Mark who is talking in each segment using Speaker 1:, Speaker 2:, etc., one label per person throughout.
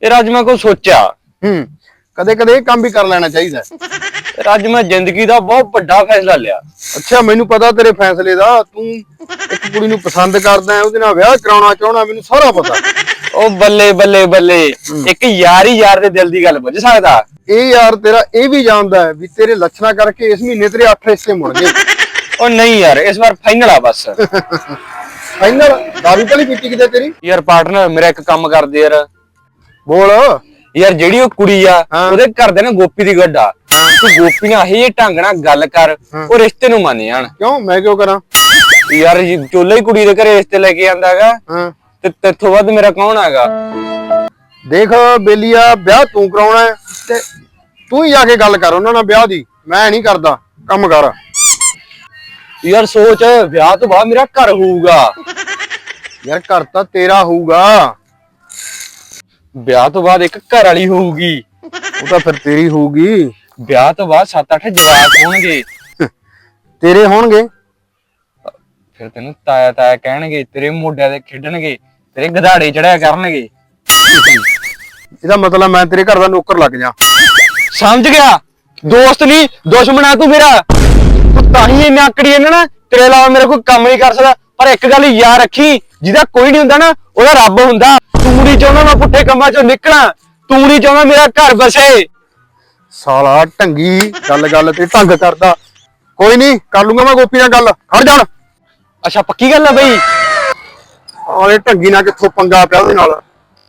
Speaker 1: ਯਾਰ ਅੱਜ ਮੈਂ ਕੁਝ ਸੋਚਿਆ।
Speaker 2: ਕਦੇ ਕਦੇ ਇਹ ਕੰਮ ਵੀ ਕਰ ਲੈਣਾ ਚਾਹੀਦਾ।
Speaker 1: ਯਾਰ ਅੱਜ ਮੈਂ ਜ਼ਿੰਦਗੀ ਦਾ ਬਹੁਤ ਵੱਡਾ ਫੈਸਲਾ ਲਿਆ।
Speaker 2: ਅੱਛਾ, ਮੈਨੂੰ ਪਤਾ ਤੇਰੇ ਫੈਸਲੇ ਦਾ। ਤੂੰ ਇੱਕ ਕੁੜੀ ਨੂੰ ਪਸੰਦ ਕਰਦਾ, ਉਹਦੇ ਨਾਲ ਵਿਆਹ ਕਰਾਉਣਾ ਚਾਹਣਾ, ਮੈਨੂੰ ਸਾਰਾ ਪਤਾ।
Speaker 1: ਉਹ ਬੱਲੇ ਬੱਲੇ ਬੱਲੇ, ਇੱਕ ਯਾਰ ਹੀ ਯਾਰ ਦੇ ਦਿਲ ਦੀ ਗੱਲ ਪੁੱਛ ਸਕਦਾ।
Speaker 2: ਇਹ ਯਾਰ ਤੇਰਾ ਇਹ ਵੀ ਜਾਣਦਾ ਹੈ ਵੀ ਤੇਰੇ ਲੱਛਣਾ ਕਰਕੇ ਇਸ ਮਹੀਨੇ ਤੇਰੇ 8 ਹਿੱਸੇ ਮੁੜ ਗਏ।
Speaker 1: ਉਹ ਨਹੀਂ ਯਾਰ, ਇਸ ਵਾਰ ਫਾਈਨਲ ਆ ਬਸ।
Speaker 2: ਫਾਈਨਲ? ਦਾਰੂ ਤਾਂ ਨਹੀਂ ਪੀਤੀ ਕਿਤੇ ਤੇਰੀ?
Speaker 1: ਯਾਰ ਪਾਰਟਨਰ ਮੇਰਾ ਇੱਕ ਕੰਮ ਕਰਦੇ ਯਾਰ।
Speaker 2: ਬੋਲ।
Speaker 1: ਯਾਰ ਜਿਹੜੀ ਉਹ ਕੁੜੀ ਆ ਉਹਦੇ ਘਰ ਦੇ ਨਾ ਗੋਪੀ ਦੀ ਗੱਡਾ, ਤੂੰ ਗੋਪੀ ਨਾਲ ਇਹ ਢੰਗ ਨਾਲ ਗੱਲ ਕਰ, ਉਹ ਰਿਸ਼ਤੇ ਨੂੰ ਮੰਨ ਜਾਣ।
Speaker 2: ਕਿਉਂ? ਮੈਂ ਕਿਉਂ ਕਰਾਂ?
Speaker 1: ਯਾਰ ਚੋਲਾ ਹੀ ਕੁੜੀ ਦੇ ਘਰੇ ਰਿਸ਼ਤੇ ਲੈ ਕੇ ਆਂਦਾ ਹੈਗਾ, ਤੇ ਤੇਥੋਂ ਵੱਧ ਮੇਰਾ ਕੌਣ ਹੈਗਾ?
Speaker 2: ਦੇਖ ਬੇਲੀਆ, ਵਿਆਹ ਤੂੰ ਕਰਾਉਣਾ ਹੈ ਤੇ ਤੂੰ ਹੀ ਜਾ ਕੇ ਗੱਲ ਕਰ ਉਹਨਾਂ ਨਾਲ ਵਿਆਹ ਦੀ। ਮੈਂ ਨਹੀਂ ਕਰਦਾ, ਕੰਮ ਕਰ।
Speaker 1: ਯਾਰ ਸੋਚ, ਵਿਆਹ ਤੋਂ ਬਾਅਦ ਮੇਰਾ ਘਰ ਹੋਊਗਾ।
Speaker 2: ਯਾਰ ਘਰ ਤਾਂ ਤੇਰਾ ਹੋਊਗਾ,
Speaker 1: ਵਿਆਹ ਤੋਂ ਬਾਅਦ ਇੱਕ ਘਰ ਵਾਲੀ ਹੋਊਗੀ।
Speaker 2: ਉਹ ਤਾਂ ਫਿਰ ਤੇਰੀ ਹੋਊਗੀ।
Speaker 1: ਵਿਆਹ ਤੋਂ ਬਾਅਦ 7-8 ਜਵਾਕ ਹੋਣਗੇ।
Speaker 2: ਤੇਰੇ ਹੋਣਗੇ?
Speaker 1: ਫਿਰ ਤੈਨੂੰ ਤਾਇਆ ਤਾਇਆ ਕਹਿਣਗੇ, ਤੇਰੇ ਮੋਢਿਆਂ ਤੇ ਖੇਡਣਗੇ, ਤੇਰੇ ਗਧਾੜੇ ਚੜਿਆ ਕਰਨਗੇ।
Speaker 2: ਇਹਦਾ ਮਤਲਬ ਮੈਂ ਤੇਰੇ ਘਰ ਦਾ ਨੌਕਰ ਲੱਗ ਜਾ।
Speaker 1: ਸਮਝ ਗਿਆ? ਦੋਸਤ ਨਹੀਂ ਦੁਸ਼ਮਣ ਆ ਤੂੰ ਮੇਰਾ। ਤੂੰ ਤਾਂ ਹੀ ਇੰਨਾ ਆਕੜੀ ਇਹਨਾਂ ਨਾ, ਤੇਰੇ ਇਲਾਵਾ ਮੇਰਾ ਕੋਈ ਕੰਮ ਨਹੀਂ ਕਰ ਸਕਦਾ। ਪਰ ਇੱਕ ਗੱਲ ਯਾਦ ਰੱਖੀ, ਜਿਹਦਾ ਕੋਈ ਨਹੀਂ ਹੁੰਦਾ ਨਾ, ਉਹਦਾ ਰੱਬ ਹੁੰਦਾ। ਤੂੰ ਨਹੀਂ ਚਾਹੁੰਦਾ ਮੈਂ ਪੁੱਠੇ ਕੰਮਾਂ ਚੋਂ ਨਿਕਲਾਂ, ਤੂੰ ਨਹੀਂ ਚਾਹੁੰਦਾ ਮੇਰਾ ਘਰ ਬਸੇ।
Speaker 2: ਸਾਲਾ ਢੰਗੀ, ਗੱਲ ਤੇ ਢੰਗ ਕਰਦਾ। ਕੋਈ ਨਹੀਂ, ਕਰ ਲੂੰਗਾ ਮੈਂ ਗੋਪੀ ਨਾਲ ਗੱਲ। ਖੜ ਜਾ।
Speaker 1: ਅੱਛਾ ਪੱਕੀ ਗੱਲ ਆ ਬਈ?
Speaker 2: ਆਲੇ ਢੰਗੀ ਨਾਲ ਕਿੱਥੋਂ ਪੰਗਾ ਪਿਆ ਉਹਦੇ ਨਾਲ।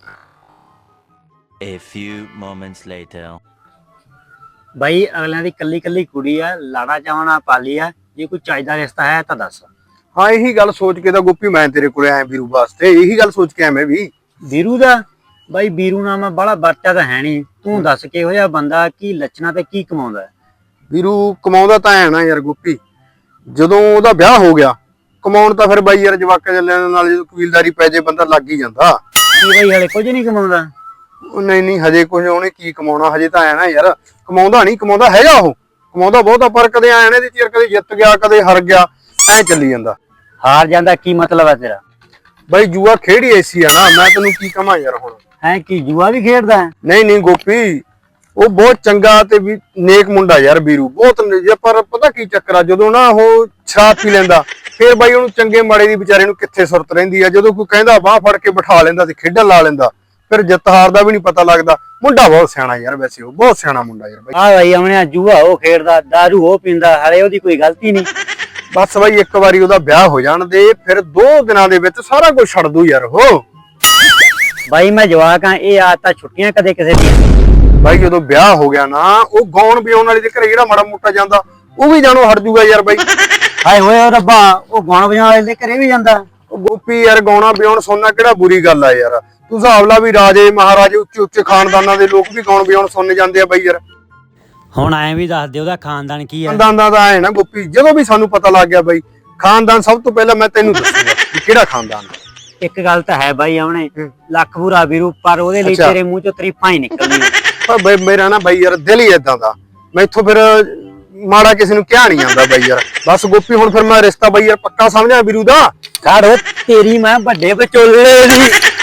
Speaker 3: A few moments later.
Speaker 4: ਬਾਈ ਅਗਲਿਆਂ ਦੀ ਕੱਲੀ ਕੱਲੀ ਕੁੜੀ ਆ, ਲਾੜਾ ਚਾਵਣਾ ਪਾਲੀ ਆ। ਜੇ ਕੋਈ ਚਾਹੀਦਾ ਰਿਸ਼ਤਾ ਹੈ ਤਾਂ ਦੱਸ।
Speaker 2: ਹਾਂ, ਇਹੀ ਗੱਲ ਸੋਚ ਕੇ ਤਾਂ ਗੋਪੀ ਮੈਂ ਤੇਰੇ ਕੋਲੇ ਆਇਆ ਵੀਰੂ ਵਾਸਤੇ। ਇਹੀ ਗੱਲ ਸੋਚ ਕੇ ਆਇਆ ਮੈਂ ਵੀ।
Speaker 4: ਵੀਰੂ ਦਾ? ਬਾਈ ਵੀਰੂ ਨਾਲ ਮੈਂ ਬੜਾ ਵਰਚਾ ਤਾਂ ਹੈ ਨਹੀਂ। ਤੂੰ ਦੱਸ ਕਿਹੋ ਜਿਹਾ ਬੰਦਾ, ਕੀ ਲੱਛਣਾ ਤੇ ਕੀ ਕਮਾਉਂਦਾ?
Speaker 2: ਵੀਰੂ ਕਮਾਉਂਦਾ ਤਾਂ ਹੈ ਨਾ ਯਾਰ ਗੋਪੀ। ਜਦੋਂ ਉਹਦਾ ਵਿਆਹ ਹੋ ਗਿਆ, ਕਮਾਉਣ ਤਾਂ ਫਿਰ ਬਾਈ ਯਾਰ ਜਵਾਕਾਂ ਜੱਲਿਆਂ ਨਾਲ ਜਦੋਂ ਕਬੀਲਦਾਰੀ ਪੈ ਜੇ ਬੰਦਾ ਲੱਗ ਹੀ ਜਾਂਦਾ।
Speaker 4: ਕੀ ਬਾਈ ਹਲੇ ਕੁਝ ਨਹੀਂ ਕਮਾਉਂਦਾ?
Speaker 2: ਉਹ ਨਹੀਂ ਹਜੇ ਕੁਝ ਉਹਨੇ ਕੀ ਕਮਾਉਣਾ। ਹਜੇ ਤਾਂ ਆਇਆ ਨਾ ਯਾਰ, ਕਮਾਉਂਦਾ ਨਹੀਂ, ਕਮਾਉਂਦਾ ਹੈਗਾ। ਉਹ ਕਮਾਉਂਦਾ ਬਹੁਤ ਆ, ਪਰ ਕਦੇ ਆਇਆ ਨਾ ਦੀ ਚਿਰ, ਕਦੇ ਜਿੱਤ ਗਿਆ, ਕਦੇ ਹਾਰ ਗਿਆ, ਐ ਚੱਲੀ ਜਾਂਦਾ।
Speaker 4: ਹਾਰ ਜਾਂਦਾ ਕੀ ਮਤਲਬ ਹੈ ਤੇਰਾ?
Speaker 2: ਬਾਈ ਜੂਆ ਖੇੜੀ ਐਸੀ ਆ ਨਾ, ਮੈਂ ਤੈਨੂੰ ਕੀ ਕਹਾਂ ਯਾਰ। ਹੁਣ
Speaker 4: ਹੈ ਕੀ ਜੂਆ ਵੀ ਖੇਡਦਾ ਹੈ?
Speaker 2: ਨਹੀਂ ਗੋਪੀ, ਉਹ ਬਹੁਤ ਚੰਗਾ ਤੇ ਵੀ ਨੇਕ ਮੁੰਡਾ ਯਾਰ ਵੀਰੂ, ਬਹੁਤ। ਪਰ ਪਤਾ ਕੀ ਚੱਕਰ ਆ, ਜਦੋਂ ਨਾ ਉਹ ਸ਼ਰਾਬ ਪੀ ਲੈਂਦਾ, ਫਿਰ ਬਾਈ ਉਹਨੂੰ ਚੰਗੇ ਮਾੜੇ ਦੀ ਵਿਚਾਰੇ ਨੂੰ ਕਿੱਥੇ ਸੁਰਤ ਰਹਿੰਦੀ ਆ। ਜਦੋਂ ਕੋਈ ਕਹਿੰਦਾ ਬਾਹ ਫੜ ਕੇ ਬਿਠਾ ਲੈਂਦਾ ਤੇ ਖੇਡਣ ਲਾ ਲੈਂਦਾ, ਫਿਰ ਜਿੱਤ ਹਾਰ ਦਾ ਵੀ ਨਹੀਂ ਪਤਾ ਲੱਗਦਾ। ਮੁੰਡਾ ਬਹੁਤ ਸਿਆਣਾ ਯਾਰ, ਵੈਸੇ ਉਹ ਬਹੁਤ ਸਿਆਣਾ ਮੁੰਡਾ ਯਾਰ ਬਾਈ।
Speaker 4: ਹਾਂ ਬਾਈ ਆਉਣਿਆ, ਜੂਆ ਉਹ ਖੇਡਦਾ, ਦਾਰੂ ਉਹ ਪੀਂਦਾ, ਹਲੇ ਉਹਦੀ ਕੋਈ ਗਲਤੀ ਨਹੀਂ।
Speaker 2: ਬਸ ਬਾਈ ਇੱਕ ਵਾਰੀ ਉਹਦਾ ਵਿਆਹ ਹੋ ਜਾਣ ਦੇ, ਫਿਰ 2 ਦਿਨਾਂ ਦੇ ਵਿੱਚ ਸਾਰਾ ਕੁਝ ਛੱਡ ਦੂ ਯਾਰ ਉਹ।
Speaker 4: ਬਾਈ ਮੈਂ ਜਵਾਕ ਆ, ਇਹ ਆਦਤਾਂ ਛੁੱਟੀਆਂ ਕਦੇ ਕਿਸੇ ਦੀਆਂ।
Speaker 2: ਬਾਈ ਜਦੋਂ ਵਿਆਹ ਹੋ ਗਿਆ ਨਾ, ਉਹ ਗਾਉਣ ਵਿਆਉਣ ਵਾਲੀ ਦੇ ਘਰੇ ਜਿਹੜਾ ਮਾੜਾ ਮੋਟਾ ਜਾਂਦਾ, ਉਹ ਵੀ ਜਾਣੋ ਹਟ ਜੂਗਾ ਯਾਰ ਬਾਈ।
Speaker 4: ਹਾਏ ਹੋਏ ਉਹ ਰੱਬਾ, ਉਹ ਗਾਉਣ ਵਜਾਉਣ ਵਾਲੇ ਦੇ ਘਰੇ ਵੀ ਜਾਂਦਾ?
Speaker 2: ਉਹ ਗੋਪੀ ਯਾਰ, ਗਾਉਣਾ ਵਿਆਉਣ ਸੁਣਨਾ ਕਿਹੜਾ ਬੁਰੀ ਗੱਲ ਆ ਯਾਰ। ਤੂੰ ਹਿਸਾਬ ਲਾ ਵੀ ਰਾਜੇ ਮਹਾਰਾਜੇ ਉੱਚੇ ਉੱਚੇ ਖਾਨਦਾਨਾਂ ਦੇ ਲੋਕ ਵੀ ਗਾਉਣ ਵਿਆਉਣ ਸੁਣਨ ਜਾਂਦੇ ਆ ਬਾਈ ਯਾਰ।
Speaker 4: ਹੁਣ ਐਂ ਵੀ ਦੱਸ ਦੇ ਉਹਦਾ ਖਾਨਦਾਨ ਕੀ ਹੈ?
Speaker 2: ਖਾਨਦਾਨ ਦਾ ਐ ਨਾ ਗੋਪੀ, ਜਦੋਂ ਵੀ ਸਾਨੂੰ ਪਤਾ ਲੱਗ ਗਿਆ ਬਾਈ ਖਾਨਦਾਨ, ਸਭ ਤੋਂ ਪਹਿਲਾਂ ਮੈਂ ਤੈਨੂੰ ਦੱਸੂਗਾ ਕਿ ਕਿਹੜਾ ਖਾਨਦਾਨ ਆ।
Speaker 4: ਇੱਕ ਗੱਲ ਤਾਂ ਹੈ ਬਾਈ ਆਉਣੇ, ਲੱਖ ਬੁਰਾ ਵੀਰੂ, ਪਰ ਉਹਦੇ ਲਈ ਤੇਰੇ ਮੂੰਹ ਚੋਂ ਤਰੀਫਾਂ ਹੀ ਨਿਕਲਦੀਆਂ।
Speaker 2: ਪਰ ਬਈ ਮੇਰਾ ਨਾ ਬਾਈ ਯਾਰ ਦਿਲ ਹੀ ਏਦਾਂ ਦਾ, ਮੈਥੋਂ ਫਿਰ ਮਾੜਾ ਕਿਸੇ ਨੂੰ ਕਿਹਾ ਨਹੀਂ ਜਾਂਦਾ ਬਾਈ ਯਾਰ। ਬਸ ਗੋਪੀ ਹੁਣ ਫਿਰ ਮੈਂ ਰਿਸ਼ਤਾ ਬਾਈ ਯਾਰ ਪੱਕਾ ਸਮਝਿਆ ਵੀਰੂ ਦਾ।
Speaker 4: ਕਾੜੋ ਤੇਰੀ ਮੈਂ ਵੱਡੇ ਵਿਚੋਲੇ ਦੀ।